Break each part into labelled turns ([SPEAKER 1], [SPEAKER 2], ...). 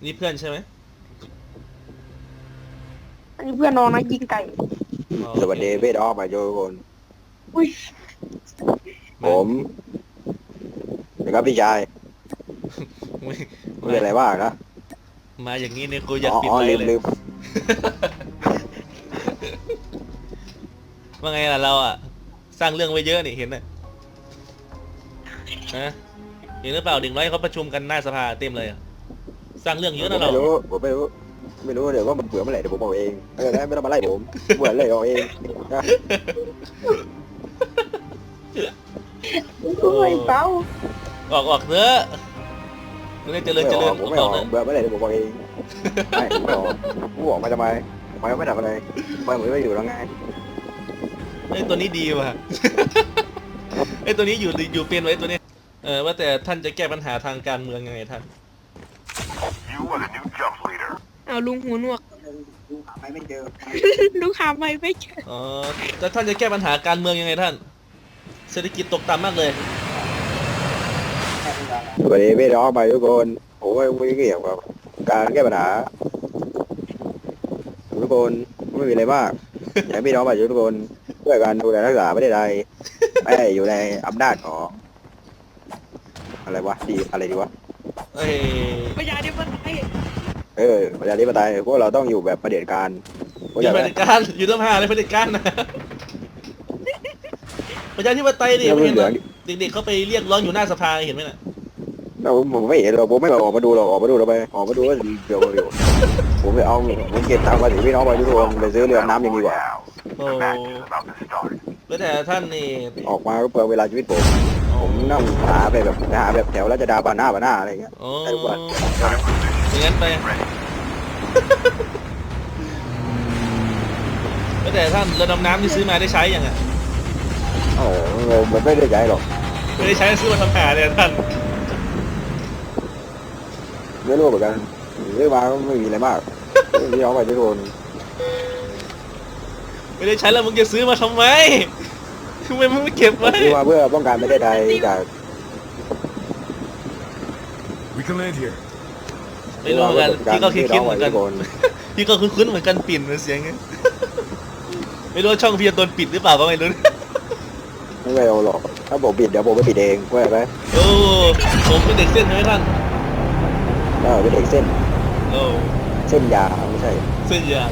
[SPEAKER 1] นี่เพื่อนใช่ไหม
[SPEAKER 2] อันนี้เพื่อนน้องนะยิงไก่
[SPEAKER 3] สวัสดีเบสออกมาโยคน
[SPEAKER 2] อุ้ย
[SPEAKER 3] ผมนะครับพี่ชาย
[SPEAKER 1] ไม่
[SPEAKER 3] ไม่เป็นไรบ้างนะ
[SPEAKER 1] มาอย่างนี้เนี่ยกูอยากปิด
[SPEAKER 3] อ๋อ
[SPEAKER 1] ไล
[SPEAKER 3] ลื
[SPEAKER 1] ฟ์
[SPEAKER 3] ม
[SPEAKER 1] เลย
[SPEAKER 3] ลืม
[SPEAKER 1] ว่าไงล่ะเราอ่ะสร้างเรื่องไว้เยอะนี่เห็นไหมฮะเห็นหรือเปล่าเด็กน้อยเขาประชุมกันหน้าสภาเต็มเลยอ่ะสร้างเรื่องเยอะนะเรา
[SPEAKER 3] ผมไม่รู้เดี๋ยวว่ามันเบื่อเมื่อไหร่เดี๋ยวผมบอกเองไม่ต้องมาไล่ผมเบื่อเลยเอาเองนะ
[SPEAKER 2] โอ้ยเป้า
[SPEAKER 1] ออกเถอะมึงได้เจริญ
[SPEAKER 3] ผมไม่ออกเบื่อเมื่อไหร่เดี๋ยวผมบอกเองไม่ผมไม่ออกกูออกมาทำไมไม่ทำอะไรไม่เหมือนไม่อยู่แล้วไง
[SPEAKER 1] ไอ้ตัวนี้ดีว่ะ ไอ้ตัวนี้อยู่เป็นไว้ตัวนี้ว่าแต่ท่านจะแก้ปัญหาทางการเมืองยังไงท่าน
[SPEAKER 2] เอาลุงหูหนวก
[SPEAKER 3] ดูหาไม่เจอ
[SPEAKER 2] ลุงหาไม่เจอ
[SPEAKER 1] อ๋อแต่ท่านจะแก้ปัญหาการเมืองยังไงท่าน เศรษฐกิจตกต่ำมากเลย
[SPEAKER 3] สวัสดีพี่น้องไปทุกคนผมไม่เกี่ยวกับการแก้ปัญหาทุกคนไม่มีอะไรมากอยากพี่น้องไปทุกคนช่วยกันดูแลรักษาประเทศไทยไม่ให้อยู่ในอำนาจของอะไรวะดีอะไรดีวะ
[SPEAKER 1] เอ้ย
[SPEAKER 2] ประหยัดดิมันไอ้
[SPEAKER 3] ประชาธิปไตยพวกเราต้องอยู่แบบเผด็จการ
[SPEAKER 1] อยู่เผด็จการอยู่ต้องหาอะไรเผด็จการนะ ประชาธิปไตยดิไม่เห็นเหรอเด็กๆเขาไปเรียกร้องอยู่หน้าสภาเห็นไหมน่ะ
[SPEAKER 3] ผมไม่เห็นหรอกผมไม่ออกมาดูหรอกออกมาดูเราไปออกมาดูว่าเดี๋ยวผมไปเอาผมเก็บตังค์ภาษีพี่น้องไปทุกคนไปซื้อเรือน้ำยังดีกว่า
[SPEAKER 1] โอ้แล้วแต่ท่านนี่
[SPEAKER 3] ออกมาก็เปลืองเวลาชีวิตผมนั่งหาไปแบบแถวราชดาบาหน้าอะไรเงี้ย
[SPEAKER 1] โอ้
[SPEAKER 3] ได้ทุกวัน
[SPEAKER 1] อย่างนั้นไป แล้วแต่ท่านเรือดำน้ำที่ซื้อมาได้ใช้ยังไง
[SPEAKER 3] โอ้โหมันไม่ได้ใจหรอก
[SPEAKER 1] ไม่ได้ใช้ซื้อมาทำหาเลยท่าน
[SPEAKER 3] ไม่รู้เหมือนกันเรื่องมาก็ไม่มีอะไรมากพี่น้องไปทุกคน
[SPEAKER 1] ไม่ได้ใช้แล้วมึงจะซื้อมาทำไมทำไมมึงไม่เก็บไว้
[SPEAKER 3] ซื้อมาเพื่อป้องกันประเทศไทยจาก
[SPEAKER 4] We can land here.
[SPEAKER 1] ไม่รู้เหมือนกันพี่ก็คิดเหมือนกันพี่ก็คุ้นๆเหมือนกันปิ่นเหมือนเสียงไงไม่รู้ว่าช่องพี่จะโดนปิดหรือเปล่าก็ไม่รู้
[SPEAKER 3] ไม่เอาหรอกถ้าผมปิดเดี๋ยวผมไปปิดเองว่าไหม
[SPEAKER 1] โอ้ผมเป็นเด็กเส้นใช่ไหมท่าน
[SPEAKER 3] เป็นเด็กเส้น
[SPEAKER 1] โอ้
[SPEAKER 3] เส้นยาไม่ใช่
[SPEAKER 1] เส้นยาง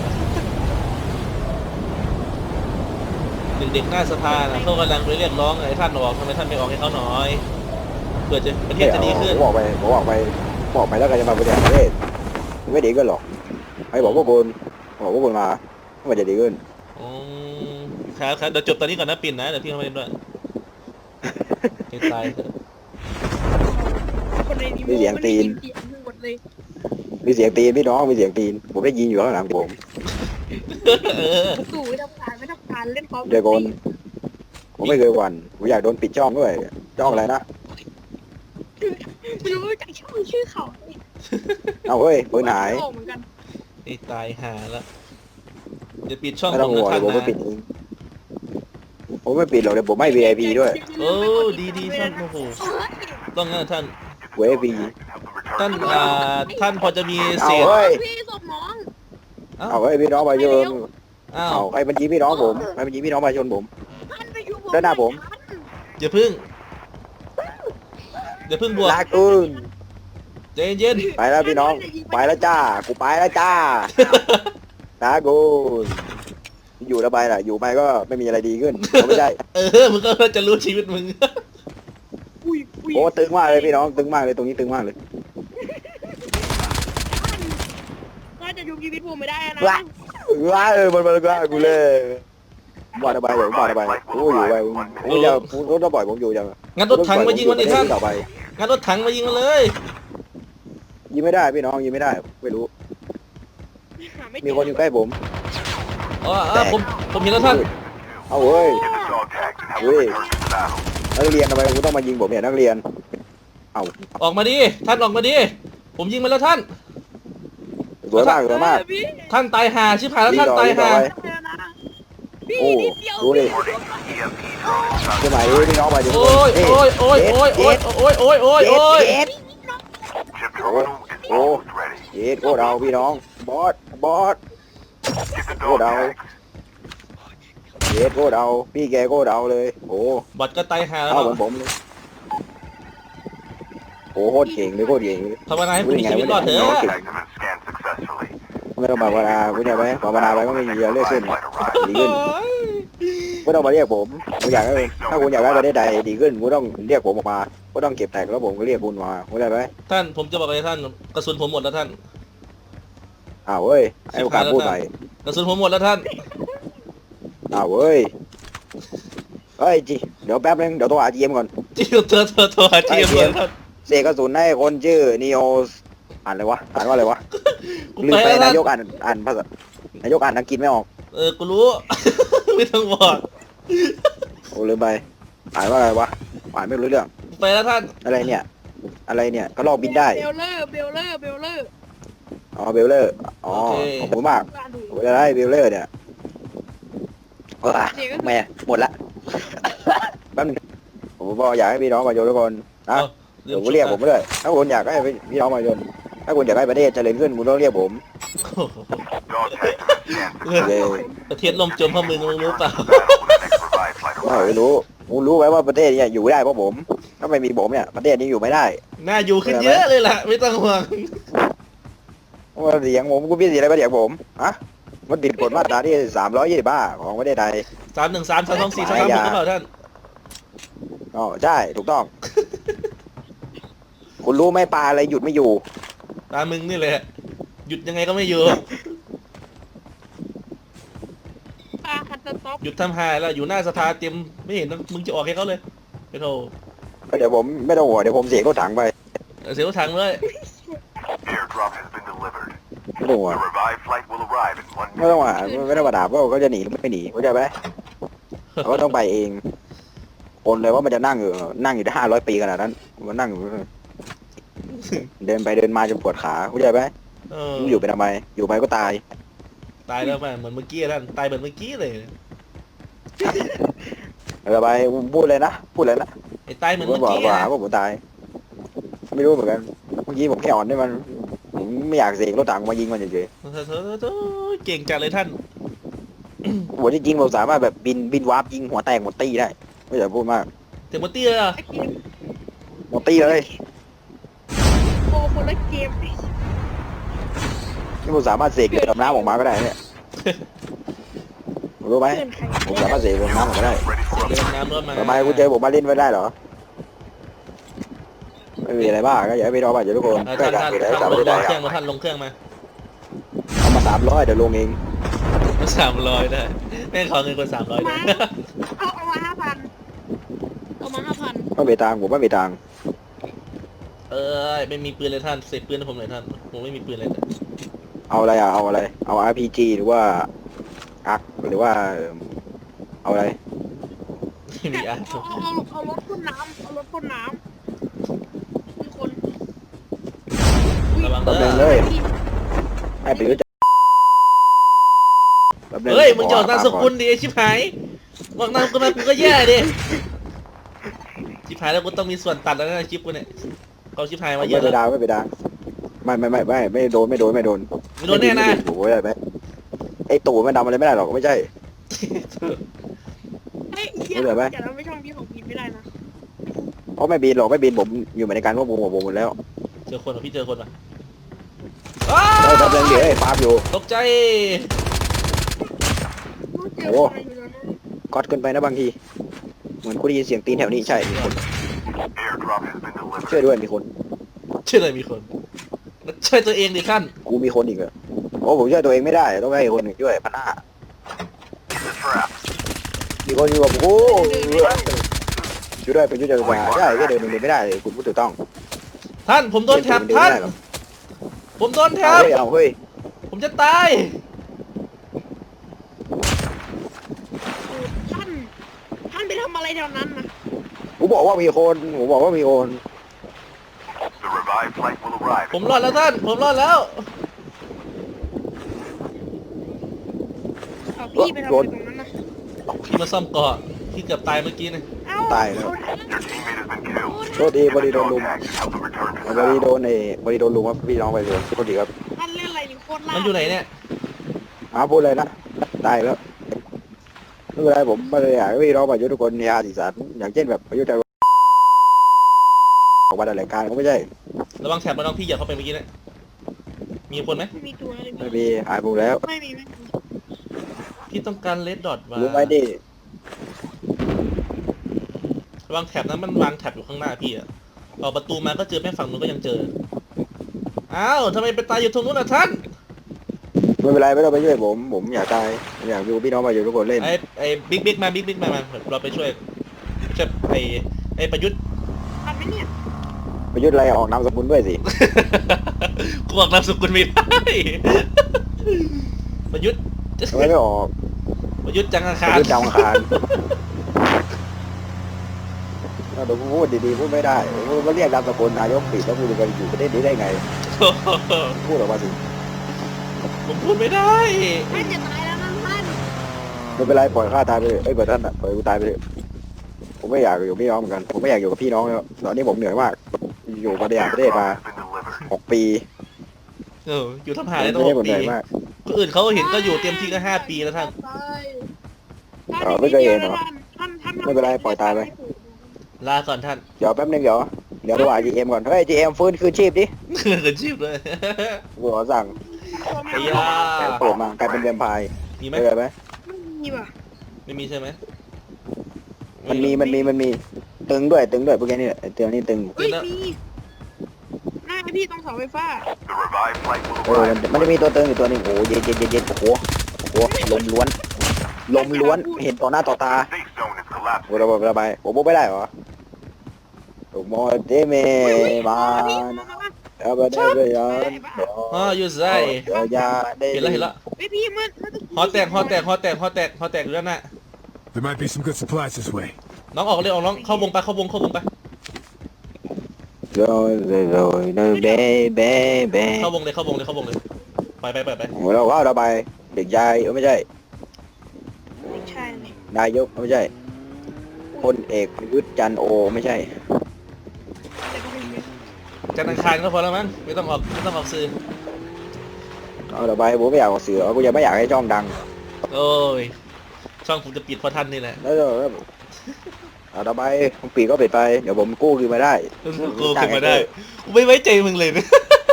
[SPEAKER 1] เด็กๆหน้าสภานะเขากำลังไปเรียกร้องไอ้ท่านออกทำไมท่านไม่ออกให้เขาหน่อยเพื่อจะประเทศจะดีขึ้น
[SPEAKER 3] ผมบอกไปแล้วก็จะมาบริหารประเทศไม่ดีขึ้นหรอกให้บอกพวกคุณมามันจะดีขึ้น
[SPEAKER 1] อืมครับเดี๋ยวจบตอนนี้ก่อนนะปิ่นนะเดี๋ยวพี่เข้ามาเล่นด้วยให้ตายเถอะ
[SPEAKER 2] คนในนี้
[SPEAKER 3] มีเสียงตีน
[SPEAKER 2] หมดเลย
[SPEAKER 3] มีเสียงตีนพี่น้องมีเสียงตีนผมได้ยินอยู่ข้างหลังผม
[SPEAKER 1] เออ
[SPEAKER 2] ตู่ไม่ทำการเล่นพร้อม
[SPEAKER 3] เดี๋ยวคนผมไม่เคยหวั่นผมอยากโดนปิดช่องด้วยช่องอะไรนะ
[SPEAKER 2] ไม่รู้จักชื่อเขา
[SPEAKER 3] เอาเฮ้ยปืนหาย
[SPEAKER 2] เหมือนกัน
[SPEAKER 1] ให้ตายหาแล้วจะปิดช่อง
[SPEAKER 3] ไม่
[SPEAKER 1] ผ
[SPEAKER 3] ต้อง
[SPEAKER 1] ม
[SPEAKER 3] ห่ว
[SPEAKER 1] นะ
[SPEAKER 3] ง
[SPEAKER 1] ท่าน
[SPEAKER 3] ผมไม่
[SPEAKER 1] นะ
[SPEAKER 3] ปิดเองผมไม่ปิดหรอกเดี๋ยวผมให้ VIP ด้วย
[SPEAKER 1] โอ้ดีท่านโอ้โหต้องงั้นท่าน
[SPEAKER 3] VIP
[SPEAKER 1] ท่านพอจะมีเศ
[SPEAKER 3] เอา
[SPEAKER 1] ษ
[SPEAKER 3] เฮ้ย
[SPEAKER 2] พี่ศพน้อง
[SPEAKER 3] เอาเฮ้ยพี่น้องมาชน
[SPEAKER 1] อ้าว
[SPEAKER 3] เอาใครบัญชีพี่น้องผมใครบัญชีพี่น้องมาชนผม
[SPEAKER 2] ท่านไปอยู่
[SPEAKER 3] ด้านหน้าผม
[SPEAKER 1] อย่าพึ่งบวก
[SPEAKER 3] ลากูน
[SPEAKER 1] ใจเย็น
[SPEAKER 3] ไปแล้วพี่น้องไปแล้วจ้ากูไปแล้วจ้าลากูนอยู่แล้วไปล่ะอยู่ไปก็ไม่มีอะไรดีขึ้นไม่ใช่
[SPEAKER 1] มึงก็จะรู้ชีวิตมึง
[SPEAKER 2] อุ้ย
[SPEAKER 3] โอ้ตึงมากเลยพี่น้องตึงมากเลยตรงนี้ตึงมากเลย
[SPEAKER 2] ก็จะอยู่ชีวิตผมไม่ได้นะ
[SPEAKER 3] ว้ามันก็กูเลยบอดไปเดี๋ยวบอดไปกูอยู่ไปกูจะกูต้องปล่อยผมอยู่จัง
[SPEAKER 1] งั้นรถถังมายิงมันดิท่าน
[SPEAKER 3] ต่อไป
[SPEAKER 1] งั้นรถถังมายิงมันเลย
[SPEAKER 3] ยิงไม่ได้พี่น้องยิงไม่ได้ไม่รู้มีคนอยู่ใกล้ผม
[SPEAKER 1] อ๋อผมเห็นแล้วท่าน
[SPEAKER 3] เอาเฮ้ยเฮ้ยนักเรียนทำไมกูต้องมายิงผมเนี่ยนักเรียนเอา
[SPEAKER 1] ออกมาดิท่านออกมาดิผมยิงมันแล้วท่าน
[SPEAKER 3] สวยมากสวยมาก
[SPEAKER 1] ท่านตายหาชิบหายแล้วท่านตายหา
[SPEAKER 2] พี่
[SPEAKER 3] โอ้
[SPEAKER 2] นิดเดียว
[SPEAKER 3] ดูดิสมัยพี่น้องมาอยู่
[SPEAKER 1] โอ้ยโอ้ย
[SPEAKER 3] โอ้
[SPEAKER 1] โอ้ย
[SPEAKER 3] โอ้เย็ดโคตรเอาพี่น้องบอสบอสโคตรเอาเย็ดโคตรเอาพี่แกโคตรเอาเลยโอ้
[SPEAKER 1] บอทก็ตายหาแล้ว
[SPEAKER 3] เอาเหมือนผมเลยโอ้โคตรเก่งเลยโคตรเก่งเลย
[SPEAKER 1] ภาวนาให้คุณมีชีวิตรอดเถอะ
[SPEAKER 3] ไม่ต้องภาวนาคุณอยากไหมภาวนาไปก็ไม่มีเรื่องขึ้นดีขึ้นไม่ต้องมาเรียกผมคุณอยากให้ถ้าคุณอยากได้ประเทศใดดีขึ้นคุณต้องเรียกผมออกมาคุณต้องเก็บแตกแล้วผมก็เรียกคุณมาคุณได้ไหม
[SPEAKER 1] ท่านผมจะบอกอะไรท่านกระสุนผมหมดแล้วท่าน
[SPEAKER 3] อ้าวเว้ยให้โอกาสพูดใหม่
[SPEAKER 1] กระสุนผมหมดแล้วท่าน
[SPEAKER 3] อ้าวเว้ยเฮ้ยจีเดี๋ยวแป๊บนึงเดี๋ยวโทรหาจีเอ็มก่อน
[SPEAKER 1] จิ้วเธอหาทีมเลยท่าน
[SPEAKER 3] เสกกระสุนให้คนชื่อนีโออ่านอะไรวะอ่านว่าอะไรวะ
[SPEAKER 1] กู
[SPEAKER 3] ลืม
[SPEAKER 1] ไป
[SPEAKER 3] ไป
[SPEAKER 1] แล้วท่าน
[SPEAKER 3] นายกอ่านภาษานายกอ่านอังกฤษไม่ออก
[SPEAKER 1] กูรู้ ไม่ต้องบอก
[SPEAKER 3] โอ้ลืมไปอ่านว่าอะไรวะอ่านไม่รู้เรื่อง
[SPEAKER 1] กูไปแล้วท่าน
[SPEAKER 3] อะไรเนี่ย อะไรเนี่ยก็ลอกบินได้
[SPEAKER 2] เบลเลอร์เบลเลอร์เบลเลอร์
[SPEAKER 3] อ๋อเบลเลอร์อ๋อขอบคุณมาก
[SPEAKER 2] ว่าดู
[SPEAKER 3] ผมจะได้เบลเลอร์เนี่ยแม่หมดละแป๊บนึงผมบอกอยากให้พี่น้องมาโยนทุกคนนะ เดี๋ยวเรียกผมด้วยถ้าคุณอยากให้พี่น้องมาโยนถ้าคุณอยากให้ประเทศเจริญขึ้นคุณต้องเรียกผมเลย
[SPEAKER 1] ประเทศล่มจมเพราะมึงรู้เปล่า
[SPEAKER 3] ไม่รู้คุณรู้ไหมว่าประเทศเนี่ยอยู่ไม่ได้เพราะผม ถ้าไม่มีผมเนี่ยประเทศนี้อยู่ไม่ได้
[SPEAKER 1] น่าอยู่ขึ้นเยอะเลยล่ะ ไม่ต้องห่วง
[SPEAKER 3] ว่าเสียงผมคุณพี่เสียอะไรมาเสียงผมฮะมันติดกฎมาตราที่325ของประเทศไทย
[SPEAKER 1] 313 324 336หรือเปล่าท่าน
[SPEAKER 3] อ๋อใช่ถูกต้อง คุณรู้ไหมปลาอะไรหยุดไม่อยู่
[SPEAKER 1] ตามมึงนี่แหละ หยุดยังไงก็ไม่อยู่
[SPEAKER 2] ปลาคัตเตอร์ท็อป
[SPEAKER 1] หยุดทำหายแล้วอยู่หน้าสภาเตรียมไม่เห็นมึงจะออกให้เขาเลยไปโทร
[SPEAKER 3] เดี๋ยวผมไม่ต้องห่วงเดี๋ยวผมเสียรถถังไป
[SPEAKER 1] เสียวถังเลย
[SPEAKER 4] Airdrop has been delivered.
[SPEAKER 3] ไม่ต้องห่วง
[SPEAKER 4] The revived flight will arrive in 1
[SPEAKER 3] ไม่ต้อง
[SPEAKER 4] minute.
[SPEAKER 3] มาไม่ต้องมาด่าว่าเขาจะหนีหรือไม่หนีเข้าใจไหมเขาก็ต้องไปเองคนเลยว่ามันจะนั่งอยู่ได้500 ปีขนาดนั้นมันนั่งอยู่เดินไปเดินมาจนปวดขาเข้าใจไหม
[SPEAKER 1] เออ
[SPEAKER 3] อยู่ไปทำไม อยู่ไปก็ตาย
[SPEAKER 1] ตายแล้วแม่เหมือนเมื่อกี้ท่านตายเหมือนเมื่อกี้เลย
[SPEAKER 3] อะไรไปพูดเลยนะพูดเลยนะ
[SPEAKER 1] ไอ้ตายเหมือน
[SPEAKER 3] ผม
[SPEAKER 1] เมื่อ
[SPEAKER 3] บอก
[SPEAKER 1] กี้
[SPEAKER 3] ว่า
[SPEAKER 1] อะ
[SPEAKER 3] ผมตาย ไม่รู้เหมือนกันเมื่อกี้ผมแค่อ่อนได้มันผมไม่อยากเสกรถถังมายิงมันเฉย
[SPEAKER 1] เธอเก่งจัดเลยท่าน
[SPEAKER 3] ๆหัวที่จริงผมสามารถแบบบินวาร์ปยิงหัวแตกหมดตีได้ไม่อยากพูดมาก
[SPEAKER 1] เต็มเตี้ยอะ
[SPEAKER 2] ไอ้เกม
[SPEAKER 3] หมดตีเลย
[SPEAKER 2] โอ้คนละเกม
[SPEAKER 3] นี่ผมสามารถเสกเรือดำน้ำออกมาก็ได้เนี่ยรู้ไหม
[SPEAKER 2] เพื่อนใคร
[SPEAKER 3] ผมสามารถเสกเรือดำน้ำออกมาได้
[SPEAKER 4] Ready for
[SPEAKER 1] เดิน
[SPEAKER 4] upgrade.
[SPEAKER 1] น้ำรถมา
[SPEAKER 3] ทำไมคุณเจอผมมาเล่นไม่ได้เหรอไม่มีอะไรบ้างก็อยากให้พี่น้องมาเจอทุกคน
[SPEAKER 1] ท่าน
[SPEAKER 3] การ
[SPEAKER 1] ท่าน
[SPEAKER 3] เกิดอะไร
[SPEAKER 1] ท่าน
[SPEAKER 3] สาม
[SPEAKER 1] ล
[SPEAKER 3] ไม่
[SPEAKER 1] ง
[SPEAKER 3] ได้
[SPEAKER 1] เครื่องมาท่านลงเครื่องมา
[SPEAKER 3] เอามา300เดี๋ยวลงเอง
[SPEAKER 1] 300ได้แม่งขอเงินคน300ได้
[SPEAKER 2] เอามา5,000เอามา5,000
[SPEAKER 3] ไม่มีตังค์ผมไม่มีตังค์
[SPEAKER 1] ไม่มีปืนเลยท่านเสกปืนให้ผมหน่อยท่านผมไม่มีปืนเลย
[SPEAKER 3] เอาอะไรอ่ะเอาอะไรเอา RPG หรือว่าอักหรือว่าเอาอะไร
[SPEAKER 1] ไม่มีอ่ะ
[SPEAKER 2] เอารถพ่นน้ำเอารถพ่นน้ำมีคน
[SPEAKER 1] ระวัง
[SPEAKER 3] แป๊บ
[SPEAKER 1] เด้
[SPEAKER 3] นึง
[SPEAKER 1] อ
[SPEAKER 3] เลยให้ไปรู้จักแป๊บนึ
[SPEAKER 1] เฮ้ยมึงจะออกนามสกุลดิไอ้ชิบหายบอกนามสกุลมากูก็แย่ดิชิบหายแล้วกูต้องมีส่วนตัดแล้วนะคลิปกูเนี่ยเขาชิบหายมาเย
[SPEAKER 3] ไม่
[SPEAKER 1] อะ
[SPEAKER 3] ไป
[SPEAKER 1] แล้ว
[SPEAKER 3] ดาวไม่ไปดาวไม่โดน
[SPEAKER 1] ไม่โดนแน่นะ
[SPEAKER 3] โอ้ยอะไรไหมไอ้ตู่มันดำอะไรไม่ได้หรอกไม่ใช่
[SPEAKER 2] เฮ้ยเฮีย
[SPEAKER 3] ไม่เหลือไหม
[SPEAKER 2] อย่าทำให้ช่องพี่ของพีไม่ได้นะ
[SPEAKER 3] เพราะไม่บินหรอกไม่บินผมอยู่ในการควบคุมของผมหมดแล้ว
[SPEAKER 1] เจอคนเหรอพี่เจอคนปะ
[SPEAKER 3] เออแป๊บนึงเดี๋ยวไอ้ฟาร์มอยู่
[SPEAKER 1] ตกใจ
[SPEAKER 2] เจอคนอยู่แล้วนะ
[SPEAKER 3] ก๊อตเกินไปนะบางทีเหมือนกูได้ยินเสียงตีนแถวนี้ใช่มีคน
[SPEAKER 4] Airdrop has been delivered.
[SPEAKER 3] ช่วยด้วยมีคน
[SPEAKER 1] ช่วยเลยมีคนช่วยตัวเองดิท่าน
[SPEAKER 3] กูมีคนอีกเหรอโอ้ผมช่วยตัวเองไม่ได้ต้องให้คนอื่นช่วยพันห้า
[SPEAKER 4] The trap.
[SPEAKER 3] มีคนอยู่กับโอ้ช่วยด้วยเป็นช่วยจักรวาลใช่แค่เดินไม่ได้เลยคุณพูดถูกต้อง
[SPEAKER 1] ท่านผมโดนแท็บท่านผมโดนแท็
[SPEAKER 3] เอา
[SPEAKER 1] บ
[SPEAKER 3] เฮ้ยเอาเฮ้ย
[SPEAKER 1] ผมจะตาย
[SPEAKER 2] ท่านไปทำอะไรแถวนั้นนะ
[SPEAKER 3] ผมบอกว่ามีคนผมบอกว่ามีคน
[SPEAKER 4] The revived flight will arrive.
[SPEAKER 1] ผมรอดแล้วท่านผมรอดแล้ว
[SPEAKER 2] เอาพี่ไปทำอะไรตรงนั้นนะ
[SPEAKER 1] พี่มาซ่อมเกาะพี่เกือบตายเมื่อกี้นะ
[SPEAKER 2] เอ้า
[SPEAKER 3] ตายแล้ว
[SPEAKER 4] Your teammate has been killed.
[SPEAKER 3] โทษดีพอดีโดนลุม
[SPEAKER 4] Dog tags help them return to
[SPEAKER 3] พอ
[SPEAKER 4] the
[SPEAKER 3] ดี
[SPEAKER 4] battle.
[SPEAKER 3] โดนพอดีโดนลุมครับพี่น้องไปเลยโทษดีครับ
[SPEAKER 2] เล่นอะไรนี่โคตรล่า
[SPEAKER 1] มันอยู่ไหนเนี่ย
[SPEAKER 3] พูดเลยนะได้แล้วไม่เป็นไรผมไม่ได้อยากให้พี่น้องประยุทธ์ทุกคนมีอาสีสันอย่างเช่นแบบประยุทธ์จะออกมาในรายการก็ไม่ใช่
[SPEAKER 1] ระวังแถบระวังพี่เหยียบเข้าไปเมื่อกี้เนะมีคนไหม
[SPEAKER 2] ไม่มีตัวเลย
[SPEAKER 3] ไม่มีหายไปแล้ว
[SPEAKER 2] ไม่มี
[SPEAKER 1] พี่ต้องการเลดดอทว่ะ
[SPEAKER 3] รู้ไหมดิ
[SPEAKER 1] ระวังแถบนั้นมันวางแถบอยู่ข้างหน้าพี่อะออกประตูมาก็เจอแม่ฝั่งนู้นก็ยังเจออ้าวทำไมไปตายอยู่ตรงนู้นอ่ะท่าน
[SPEAKER 3] ไม่เป็นไรไม่ต้องไปช่วยผมอยากตายผมอยากดูพี่น้องประยุทธ์ทุกคนเล่น
[SPEAKER 1] ไอ้บิ๊กมาเราไปช่วยไอ้ประยุทธ์
[SPEAKER 2] ทันไหมเนี่ย
[SPEAKER 3] ประยุทธ์อะไรออกนามสกุลด้วยสิ
[SPEAKER 1] กูบอกนามสกุลไม่ได้ ประยุทธ์
[SPEAKER 3] ทำไมไม่ออก
[SPEAKER 1] ประยุทธ์จังอา
[SPEAKER 3] ป
[SPEAKER 1] คาร
[SPEAKER 3] ระยุทธ์ดาวอังคารเดี๋ยวกูพูดดีๆพูดไม่ได้กูมาเรียกนามสกุลนายกปิดแล้วกูจะไปอยู่ประเทศนี้ได้ไงพูดออกมาสิ
[SPEAKER 1] ผมพูดไม่ได้
[SPEAKER 2] ท่านจะตายแล้วนะท่าน
[SPEAKER 3] ไม่เป็นไรปล่อยข้าตายไปเลยเอ้ยปล่อยท่านอ่ะปล่อยกูตายไปเลยผมไม่อยากอยู่กับพี่น้องเหมือนกันผมไม่อยากอยู่กับพี่น้องแล้วตอนนี้ผมเหนื่อยมากอยู่ประเทศประเทศมา
[SPEAKER 4] Has been delivered.
[SPEAKER 3] 6 ปี
[SPEAKER 1] อยู่ทำหา
[SPEAKER 3] ไม่
[SPEAKER 1] ได้ตั้ง
[SPEAKER 3] ได้
[SPEAKER 1] ห
[SPEAKER 3] ผ
[SPEAKER 1] ก
[SPEAKER 3] มเห
[SPEAKER 1] ปี
[SPEAKER 3] นื่อยมาก
[SPEAKER 1] คนอื่นเขาเห็นก็อยู่เต็มที่ก็5 ปีแล้วท่าน
[SPEAKER 3] ไม่เคยเห็นเหรอไม่เป็นไรปล่อยตายไป
[SPEAKER 1] ลาก่อนท่าน
[SPEAKER 3] เดี๋ยวแป๊บนึงเดี๋ยวดูGM ก่อนเฮ้ย GM ฟื้นคืนชีพดิ
[SPEAKER 1] เกินชีพเลย
[SPEAKER 3] กูขอสั่ง
[SPEAKER 1] ไอ้ยา
[SPEAKER 3] เปิดมากลายเป็นแวมไพร์
[SPEAKER 1] มีไหม
[SPEAKER 3] ได้ไหม
[SPEAKER 2] ไม่มีว่ะ
[SPEAKER 1] ไม่มีใช่ไหม
[SPEAKER 3] มันมีตึงด้วยพวกนี้ไอ้เตือนนี่ตึง
[SPEAKER 2] เฮ้ยมีหน้าพี่ตรงเสาไฟฟ้า
[SPEAKER 4] The revived flight will
[SPEAKER 3] มัน
[SPEAKER 4] arrive.
[SPEAKER 3] จะมีตัวตึงอยู่ตัวนึงโอ้เย็นโอ้โหลมล้วนเห็นต่อหน้าต่อตา
[SPEAKER 4] The safe zone is collapsing.
[SPEAKER 3] โอ้ระบายผมไม่ได้เหรอถูกมอเตเมมาเอาไปได้ไปยัน
[SPEAKER 1] อ๋ออยู่ไซ
[SPEAKER 3] ยาได้
[SPEAKER 1] เห็นแล้ว
[SPEAKER 2] เฮ้ยพี่มัน
[SPEAKER 1] ฮอแตกอยู่แล้วน่ะ
[SPEAKER 5] There might be some good supplies this way.
[SPEAKER 1] น้องออกเลยออกน้องเข้าวงไป
[SPEAKER 3] โรยเบ้
[SPEAKER 1] เข้าวงเลยไป
[SPEAKER 3] โอ้เราว่าระบายเด็กชายไม่ใช่
[SPEAKER 2] ไม่ใช่เลย
[SPEAKER 3] นายกไม่ใช่พลเอกประยุทธ์จันทร์โอไม่ใช่
[SPEAKER 2] แต่ก็ไม่มี
[SPEAKER 1] จันทร์อังคารก็พอแล้วมั้งไม่ต้องออกสื่อ
[SPEAKER 3] เอาระบายผมไม่อยากออกสื่อกูยังไม่อยากให้ช่องดัง
[SPEAKER 1] โอ้ยช่องผมจะปิดเพราะท่านนี่แหละ
[SPEAKER 3] แล้วเอาระบายผมปีก็ปิดไปเดี๋ยวผมกู้คืนมาได้
[SPEAKER 1] กูขึ้นมาได้กูไม่ไว้ใจมึงเลยนะ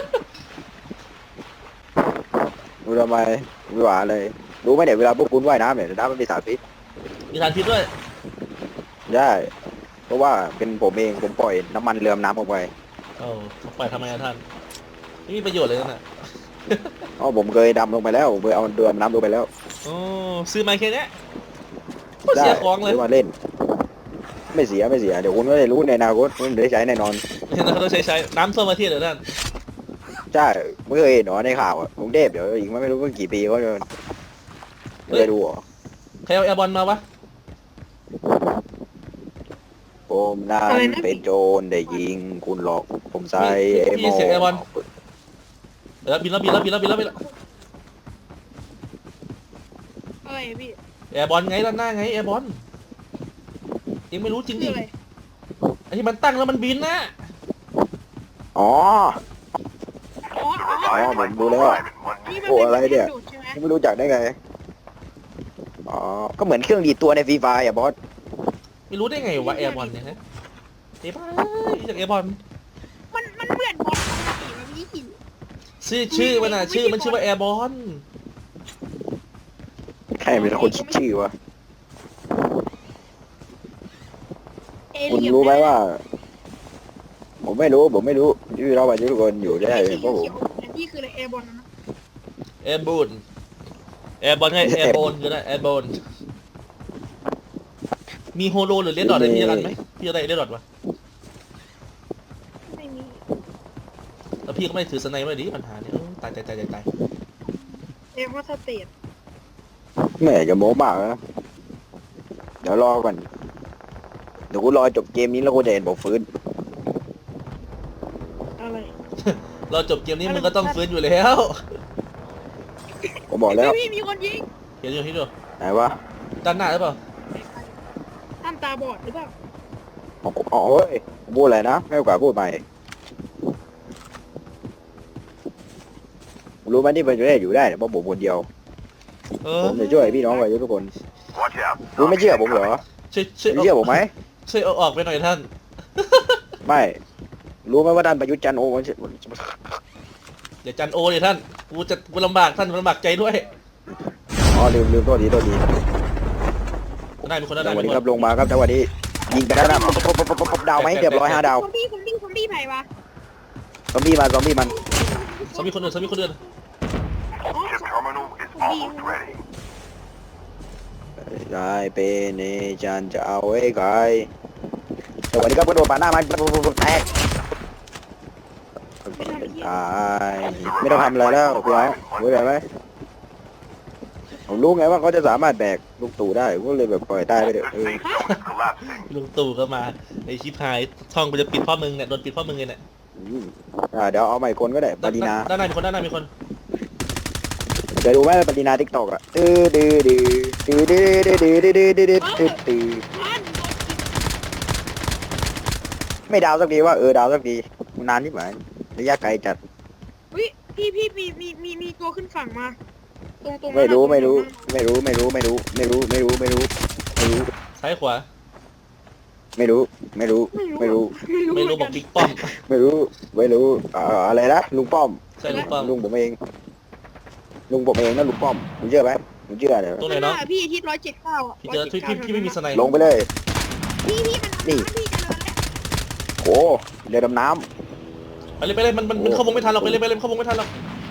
[SPEAKER 3] ดูทำไมไม่หวานเลยรู้ไหมเนี่ยเวลาพวกคุณว่ายน้ำเนี่ยน้ำมันมีสารพิษ
[SPEAKER 1] มีสารพิษด้วย
[SPEAKER 3] ใช่เพราะว่าเป็นผมเองผมปล่อยน้ำมันเรือมน้ำออกไป
[SPEAKER 1] โอ้ปล่อยทำไมอะท่านไม่มีประโยชน์เลยนั่นน่ะ
[SPEAKER 3] อ๋อผมเคยดำลงไปแล้วผมเคยเอาเรือมน้ำลงไปแล้ว
[SPEAKER 1] โอ้ซื้อมาแค่เนี้ยโคตรเสียของเลย
[SPEAKER 3] ซื้อมาเล่น ไม่เสียเดี๋ยวคุณก็ได้รู้ในอนาคตคุณได้ใช้แน่นอน
[SPEAKER 1] เราต้องใช้น้ำท่วมประเทศเหรอท่าน
[SPEAKER 3] ใช่ไม่เคยเห็นหรอในข่าวอ่ะกรุงเทพเดี๋ยวอีกไม่รู้ว่ากี่ปีก็จะไม่ได้ดูหรอ
[SPEAKER 1] ใครเอาแอร์บอลมาวะ
[SPEAKER 3] ผมนั้นเป็นโจรได้ยิงคุณหลอกผมใส่
[SPEAKER 1] พี่เสียงแอร์บอลบินแล้ว
[SPEAKER 2] อะไรพี่
[SPEAKER 1] แอร์บอลไงด้านหน้าไงแอร์บอลยังไม่รู้จริง
[SPEAKER 2] คือ
[SPEAKER 1] ดิ
[SPEAKER 2] อะไร
[SPEAKER 1] ไอ้ที่มันตั้งแล้วมันบินนะ
[SPEAKER 3] อ๋อ
[SPEAKER 2] อ๋อ
[SPEAKER 4] The
[SPEAKER 2] อ๋อ
[SPEAKER 4] revived flight will
[SPEAKER 3] Bố
[SPEAKER 4] arrive in 1
[SPEAKER 2] นี่
[SPEAKER 4] minute.
[SPEAKER 2] มัน
[SPEAKER 3] โอ้อะไรเนี่ย
[SPEAKER 2] ดูดใช่ไหม
[SPEAKER 3] ไม่รู้จักได้ไงอ๋อก็เหมือนเครื่องดีดตัวในฟรีไฟอ่ะบอส
[SPEAKER 1] ไม่รู้ได้ไงวะแอร์บอลเนี่ยฮะเอ้ยบ้าจากแอร์บอล
[SPEAKER 2] มันเหมือนบอลปกติแบบนี้หิน
[SPEAKER 1] ชื่อมันอ่ะชื่อว่าแอร์บอล
[SPEAKER 3] ใครเป็นคนคิดชื่อวะ
[SPEAKER 2] เอ
[SPEAKER 3] คุณ
[SPEAKER 2] เลี่ยน
[SPEAKER 3] รู้ไหมว่า ผมไม่รู้ที่เราไปทุกคนอยู่ได้เพราะผม
[SPEAKER 2] อันนี้คืออะไรแอร์บอลนะ
[SPEAKER 1] แอร์บูนแอร์บอลไงแอร์บอลคืออะไรแอร์บอลมีโฮโลหรือเลดดอทอะไรมีกันไหมพี่อะไรเลดดอทวะ
[SPEAKER 2] ไม่มี
[SPEAKER 1] แล้วพี่ก็ไม่ถือสไนเปอร์ดิปัญหาเนี่ยตาย
[SPEAKER 2] เอร์ว่าสเตท
[SPEAKER 3] ไม่อยากจะโม้มากนะเดี๋ยวรอก่อนเดี๋ยวกูรอจบเกมนี้แล้วกูจะเห็นผมฟื้น
[SPEAKER 2] อะไร
[SPEAKER 1] เราจบเกมนี้มึงก็ต้องฟื้นอยู่แล้ว
[SPEAKER 3] ผมบอกแล้ว
[SPEAKER 2] พี่มีคนยิง
[SPEAKER 1] เห็นอยู่ที่ดู
[SPEAKER 3] ไหนวะ
[SPEAKER 1] ด้านหน้าหรือเปล่า
[SPEAKER 2] ท่านตาบอดหรือเปล่า
[SPEAKER 3] อ๋อเฮ้ยพูดอะไรนะไม่โอกาสพูดใหม่รู้ไหมที่มันจะได้อยู่ได้เนี่ยเพราะผมคนเดียว
[SPEAKER 1] เอ
[SPEAKER 3] ผ
[SPEAKER 1] อ
[SPEAKER 3] มจะช่วยพี่น้องไว้ทุกคน
[SPEAKER 4] Watch out.
[SPEAKER 3] รู้ไม่เชื่อผมเหรอ
[SPEAKER 1] ช่วย
[SPEAKER 3] ไม่เชื่อผมไหม
[SPEAKER 1] ช่วยเอาออกไปหน่อยท่าน
[SPEAKER 3] ไม่ รู้ไหมว่าท่านประยุทธ์จันทร์โอมัน
[SPEAKER 1] เดี๋ยวจันโอเลยท่าน กูลำบากท่านลำบากใจด้วย
[SPEAKER 3] อ๋อลืมโทษที
[SPEAKER 1] ได้มีคนได้
[SPEAKER 3] จังหวะ
[SPEAKER 1] มี
[SPEAKER 3] นี้
[SPEAKER 1] ค
[SPEAKER 3] ครั
[SPEAKER 1] น
[SPEAKER 3] บลงมาครับจังหวะนี้ยิงไปแล้วนะปุ๊บดาวไหมเรียบร้อย5 ดาว
[SPEAKER 2] ซอมบี้ไผ่วะ
[SPEAKER 3] ซอมบี้มัน
[SPEAKER 1] สมีคนอื่น
[SPEAKER 4] Chip terminal is almost ready.
[SPEAKER 3] ได้เป็นเนจันจะเอาไว้ใครจังหวะนี้ครับกระโดดปาดหน้ามันแตกตายไม่ต้องทำอะไรแล้วพี่น้องรู้ไหมผมรู้ไงว่าเขาจะสามารถแบกลูกตู่ได้ผมก็เลยแบบปล่อยตายไปเถอะ
[SPEAKER 4] The safe zone is collapsing.
[SPEAKER 1] ลุงตู่ก็มาไอชิพายช่องกูจะปิดเพ่อมึงเนี่ยโดนปิดเพ่อมึงเลยเนี่ย
[SPEAKER 3] เดี๋ยวเอาใหม่คนก็ได้ปารีนา
[SPEAKER 1] ด้านในมีคน
[SPEAKER 3] เดี๋ยวดูไหมปารีนาทิกตอกอะไม่ดาวสักทีว่าดาวสักทีนานที่ไหนระยะไกลจัด
[SPEAKER 2] วิพี่มีตัวขึ้นฝั่งมาตรง
[SPEAKER 3] ไม่รู้
[SPEAKER 1] ซ้ายขวา
[SPEAKER 3] ไม่รู้
[SPEAKER 1] ไม่รู้บอกบิ๊กป้อม
[SPEAKER 3] ไม่รู้อะไรนะลุงป้อม
[SPEAKER 1] ใช่ลุงป้อม
[SPEAKER 3] ลุงผมเองนะลุงป้อมคุณเชื่อไหมคุณเชื่อเดี๋ยว
[SPEAKER 1] ตรงไหนเนาะ
[SPEAKER 2] พี่ทิศ179อ่ะ
[SPEAKER 1] พี่เจอพี่ไม่มีสไนด์
[SPEAKER 3] ลงไปเลย
[SPEAKER 2] พี่มัน
[SPEAKER 3] นี่
[SPEAKER 2] พี่เจริญแล้ว
[SPEAKER 3] โอ้เรือดำน้
[SPEAKER 1] ไปเลยมันเข้าวงไม่ทันหรอกไปเลยเข้าวงไม่ทันหรอก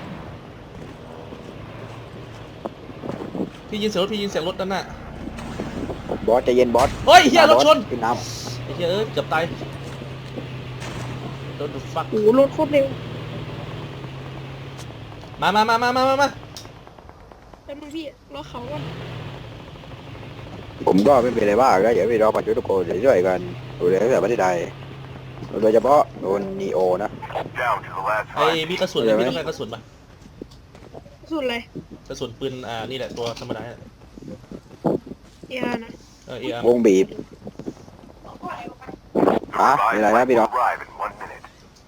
[SPEAKER 1] พี่ยินเสียงรถด้านหน้า
[SPEAKER 3] ำบอสใจเย็นบอส
[SPEAKER 1] เฮ้ยเฮียรถชน
[SPEAKER 3] ขึ้นน้
[SPEAKER 1] ไอ้เฮียเกือบตายโดนฟัก
[SPEAKER 2] โอ้โหรถโคตรเร็ว
[SPEAKER 1] มา
[SPEAKER 2] แต่มึงพี่รถเขาอ่ะ
[SPEAKER 3] ำผมก็ไม่เป็นไรบ้างนะเดี๋ยวพี่รอปัจจุบันทุกคนจะช่วยกันดูแลแต่ประเทศไทยโดยเฉพาะโดนนีโอนะ
[SPEAKER 4] Down to the last
[SPEAKER 1] ไอ้
[SPEAKER 4] five.
[SPEAKER 1] มีกระสุนพี่ต้องการกระสุนปะ
[SPEAKER 2] สุดเลย
[SPEAKER 1] กระสุนปืนนี่แหละตัวธรรมดา
[SPEAKER 2] เอียนะ
[SPEAKER 1] เออ
[SPEAKER 3] วงบีบฮะ
[SPEAKER 4] Revive
[SPEAKER 3] มีอะไรนะ
[SPEAKER 4] flight
[SPEAKER 3] พี่
[SPEAKER 4] will
[SPEAKER 3] น้อง
[SPEAKER 4] arrive in 1 minute.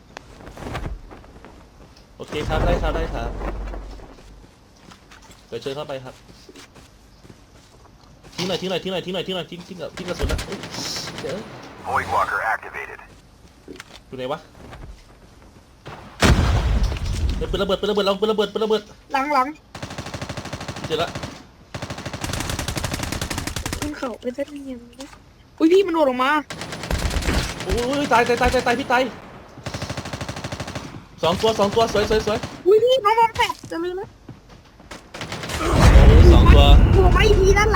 [SPEAKER 1] โอเคครับได้ครับเดี๋ยวเชิญเข้าไปครับทิ้งหน่อยทิ้งกระสุนนะเดี๋ยว
[SPEAKER 4] Void walker activated.
[SPEAKER 1] อยู่ไหนวะปืนระเบิดลองปืนระเบิด
[SPEAKER 2] หลัง
[SPEAKER 1] เจอละ
[SPEAKER 2] ขึ้นเขาไปสักนิดนึงนะอุ้ยพี่มันโดดลงมา
[SPEAKER 1] โอ้ยตายพี่ตายสองตัวสวย
[SPEAKER 2] อุ้ยพี่น้องบอลแตกจะลืมแล้ว
[SPEAKER 1] สองตัว
[SPEAKER 2] โผล่มาอีกทีด้านห